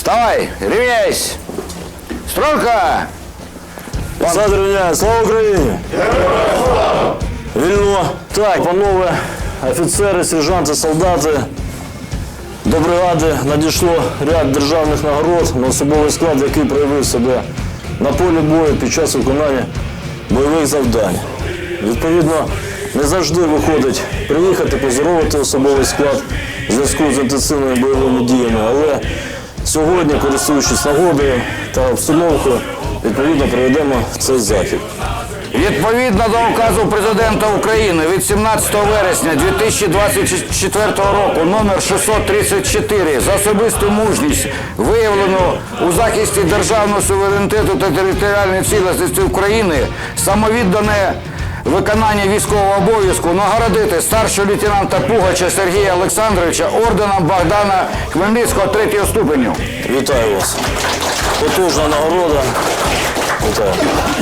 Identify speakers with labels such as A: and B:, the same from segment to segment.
A: Давай, рівняйсь! Стройка!
B: Посади рівняй, слава Україні! Вільно. Так, панове офіцери, сержанти, солдати, до бригади надійшло ряд державних нагород на особовий склад, який проявив себе на полі бою під час виконання бойових завдань. Відповідно, не завжди виходить приїхати, поздоровити особовий склад в зв'язку з інтенсивними бойовими діями, але сьогодні, користуючись нагодою та обстановкою, відповідно проведемо цей захід.
A: Відповідно до указу Президента України від 17 вересня 2024 року номер 634 за особисту мужність, виявлену у захисті державного суверенітету та територіальної цілісності України, самовіддане виконання військового обов'язку нагородити старшого лейтенанта Пугача Сергія Олександровича орденом Богдана Хмельницького 3-го ступеню.
B: Вітаю вас. Потужна нагорода. Вітаю.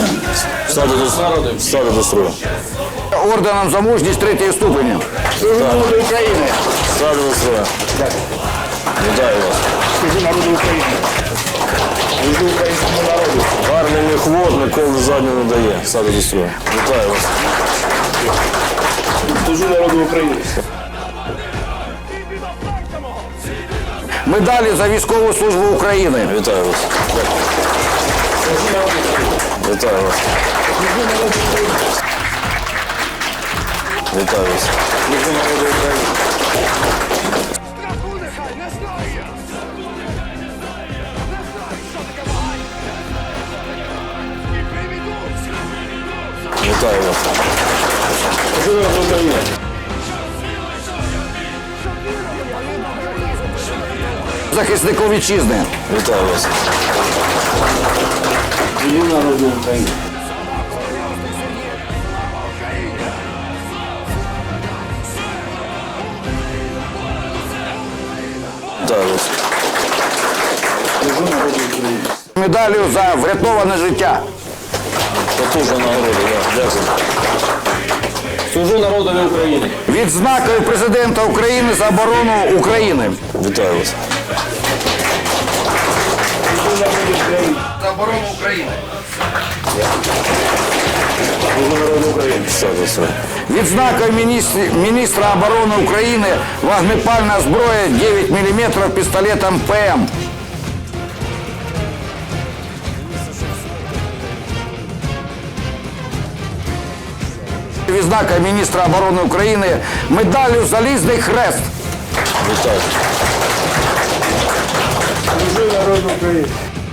B: Встати до строю.
A: Орденом за мужність 3-го ступеню. Народу України.
B: Встати до строю. Вітаю вас.
A: Служу народу України. Служу українському народу.
B: Гарний міхвод ніколи задню не дає. Встати до строю. Вітаю вас.
A: Служу народу України. Медалі за військову службу України.
B: Вітаю вас. Вітаю вас. Вітаю вас. Вітаю вас.
A: Захиснику вітчизни.
B: Вітаю вас.
A: Народу України.
B: Вітаю вас.
A: Медаллю за врятоване життя.
B: Потужна нагорода, дякую.
C: Служу народові України.
A: Відзнакою Президента України за оборону України.
B: Вітаю вас.
A: За оборону України.
B: Встати до строю.
A: Відзнакою міністра оборони України вогнепальна зброя 9 мм пістолетом ПМ. Відзнакою міністра оборони України медаллю «Залізний хрест».
B: Вітаю.
A: Служу народу України.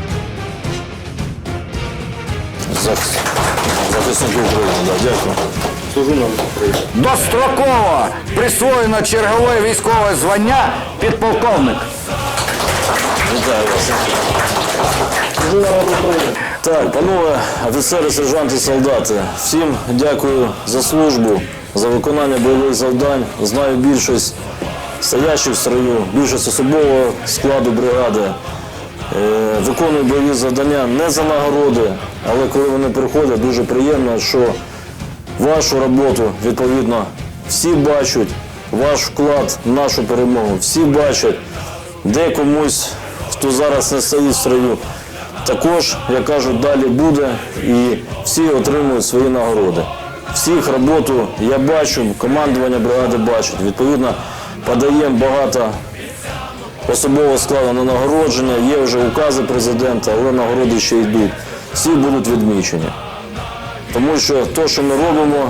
B: Захисник України, дякую.
A: Служу народу України. Достроково присвоєно чергове військове звання підполковник.
B: Вітаю вас.
A: Служу народу України.
B: Так, панове офіцери, сержанти, солдати, всім дякую за службу, за виконання бойових завдань. Знаю більшість стоящих в строю, більшість особового складу бригади. Виконую бойові завдання не за нагороди, але коли вони приходять, дуже приємно, що вашу роботу, відповідно, всі бачать, ваш вклад в нашу перемогу, всі бачать, де комусь, хто зараз не стоїть в строю. Також, як кажуть, далі буде і всі отримують свої нагороди. Всіх роботу я бачу, командування бригади бачить. Відповідно, подаємо багато особового складу на нагородження, є вже укази президента, але нагороди ще йдуть. Всі будуть відмічені. Тому що те, що ми робимо,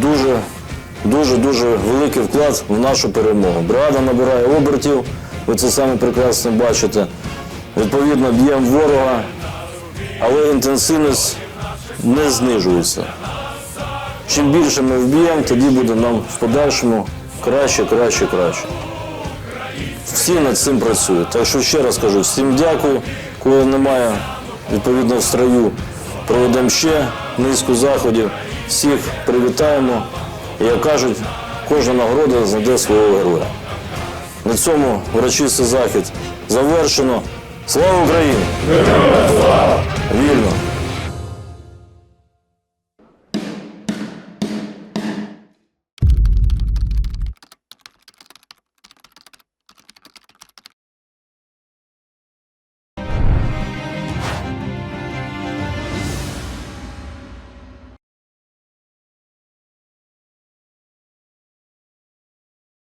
B: дуже великий вклад в нашу перемогу. Бригада набирає обертів, ви це саме прекрасно бачите. Відповідно, б'ємо ворога, але інтенсивність не знижується. Чим більше ми вб'ємо, тоді буде нам в подальшому краще. Всі над цим працюють. Так що ще раз кажу, всім дякую. Коли немає, відповідно, в строю, проведемо ще низку заходів. Всіх привітаємо. І, як кажуть, кожна нагорода знайде свого героя. На цьому урочистий захід завершено. Слава Україні!